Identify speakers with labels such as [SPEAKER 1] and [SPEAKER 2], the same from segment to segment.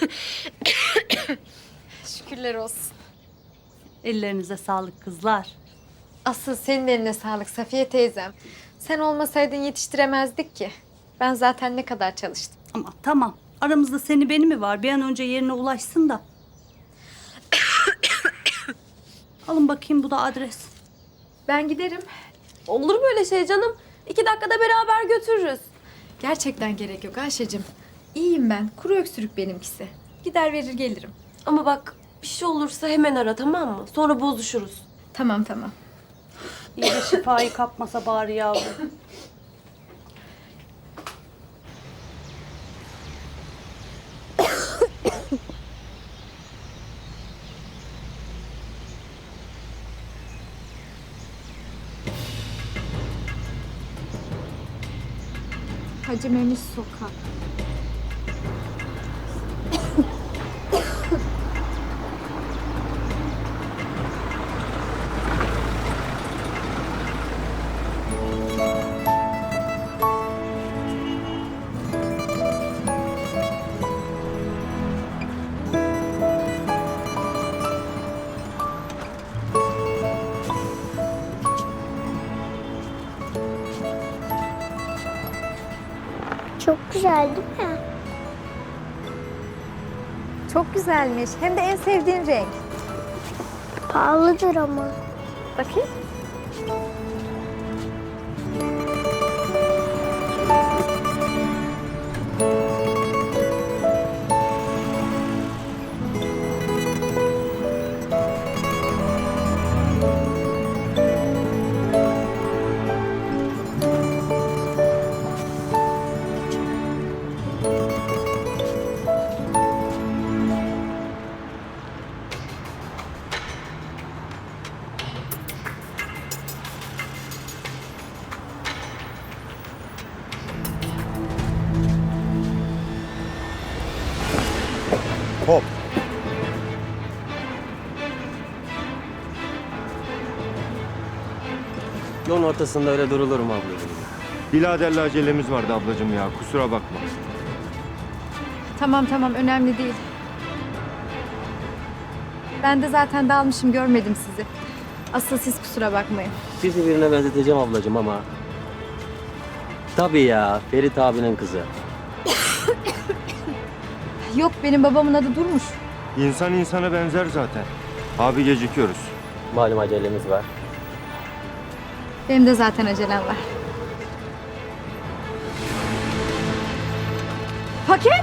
[SPEAKER 1] Şükürler olsun.
[SPEAKER 2] Ellerinize sağlık kızlar.
[SPEAKER 1] Asıl senin eline sağlık Safiye teyzem. Sen olmasaydın yetiştiremezdik ki. Ben zaten ne kadar çalıştım.
[SPEAKER 2] Ama tamam. Aramızda seni beni mi var? Bir an önce yerine ulaşsın da. Alın bakayım, bu da adres.
[SPEAKER 1] Ben giderim.
[SPEAKER 3] Olur mu öyle şey canım? 2 dakikada beraber götürürüz.
[SPEAKER 1] Gerçekten gerek yok Ayşe'cim. İyiyim ben. Kuru öksürük benimkisi. Gider verir gelirim.
[SPEAKER 3] Ama bak bir şey olursa hemen ara, tamam mı? Sonra bozuşuruz.
[SPEAKER 1] Tamam tamam.
[SPEAKER 2] İyi de şifayı kapmasa bari yavrum.
[SPEAKER 1] Hacı Memiş Sokak.
[SPEAKER 4] Çok güzel değil mi?
[SPEAKER 1] Çok güzelmiş. Hem de en sevdiğin renk.
[SPEAKER 4] Pahalıdır ama.
[SPEAKER 1] Bakayım.
[SPEAKER 5] Hop.
[SPEAKER 6] Yolun ortasında öyle durulur mu ablacığım?
[SPEAKER 5] Biraderle acelemiz vardı ablacığım ya. Kusura bakma.
[SPEAKER 1] Tamam tamam önemli değil. Ben de zaten dalmışım görmedim sizi. Asıl siz kusura bakmayın.
[SPEAKER 6] Sizi birine benzeteceğim ablacığım ama... Tabii ya, Ferit abinin kızı.
[SPEAKER 1] Yok benim babamın adı Durmuş.
[SPEAKER 5] İnsan insana benzer zaten. Abi gecikiyoruz.
[SPEAKER 6] Malum acelemiz var.
[SPEAKER 1] Benim de zaten acelem var. Paket?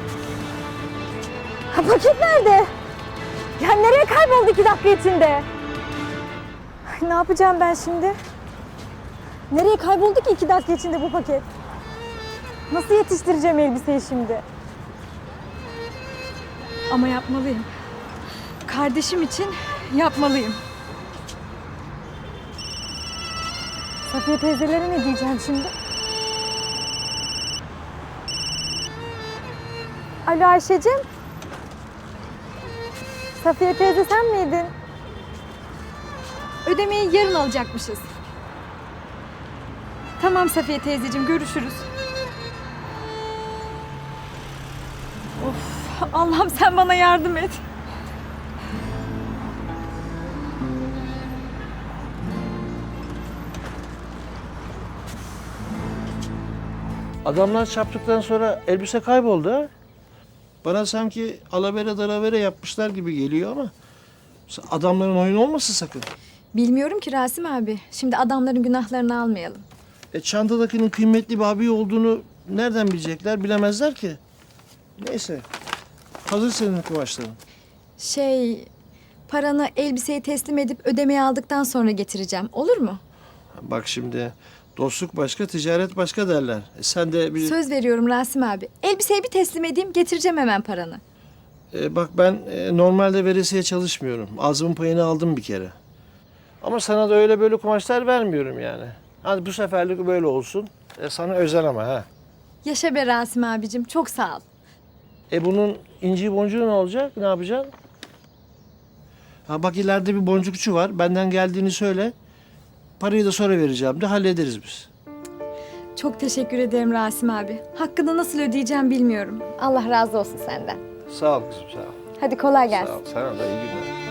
[SPEAKER 1] Ha, paket nerede? Ya nereye kayboldu 2 dakika içinde? Ay, ne yapacağım ben şimdi? Nereye kayboldu ki 2 dakika içinde bu paket? Nasıl yetiştireceğim elbiseyi şimdi? Ama yapmalıyım. Kardeşim için yapmalıyım. Safiye teyzelere ne diyeceğim şimdi? Alo Ayşe'cim. Safiye teyze sen miydin? Ödemeyi yarın alacakmışız. Tamam Safiye teyzeciğim görüşürüz. Of Allah'ım sen bana yardım et.
[SPEAKER 7] Adamlar çarptıktan sonra elbise kayboldu ha. Bana sanki alavere dalavere yapmışlar gibi geliyor ama... Adamların oyunu olmasın sakın.
[SPEAKER 1] Bilmiyorum ki Rasim abi. Şimdi adamların günahlarını almayalım.
[SPEAKER 7] Çantadakinin kıymetli bir abi olduğunu nereden bilecekler, bilemezler ki. Neyse. Hazır senin kumaşların.
[SPEAKER 1] Paranı elbiseyi teslim edip ödemeyi aldıktan sonra getireceğim. Olur mu?
[SPEAKER 7] Bak şimdi dostluk başka, ticaret başka derler. Sen de bir...
[SPEAKER 1] Söz veriyorum Rasim abi. Elbiseyi bir teslim edeyim, getireceğim hemen paranı.
[SPEAKER 7] Bak ben normalde veresiye çalışmıyorum. Ağzımın payını aldım bir kere. Ama sana da öyle böyle kumaşlar vermiyorum yani. Hadi bu seferlik böyle olsun. Sana özel ama ha.
[SPEAKER 1] Yaşa be Rasim abicim, çok sağ ol.
[SPEAKER 7] Bunun inci boncuğu ne olacak? Ne yapacaksın? Ha bak ileride bir boncukçu var. Benden geldiğini söyle. Parayı da sonra vereceğim de hallederiz biz.
[SPEAKER 1] Çok teşekkür ederim Rasim abi. Hakkını nasıl ödeyeceğim bilmiyorum. Allah razı olsun senden.
[SPEAKER 7] Sağ ol kızım, sağ ol.
[SPEAKER 1] Hadi kolay gelsin.
[SPEAKER 7] Sağ ol. Sana da iyi günler.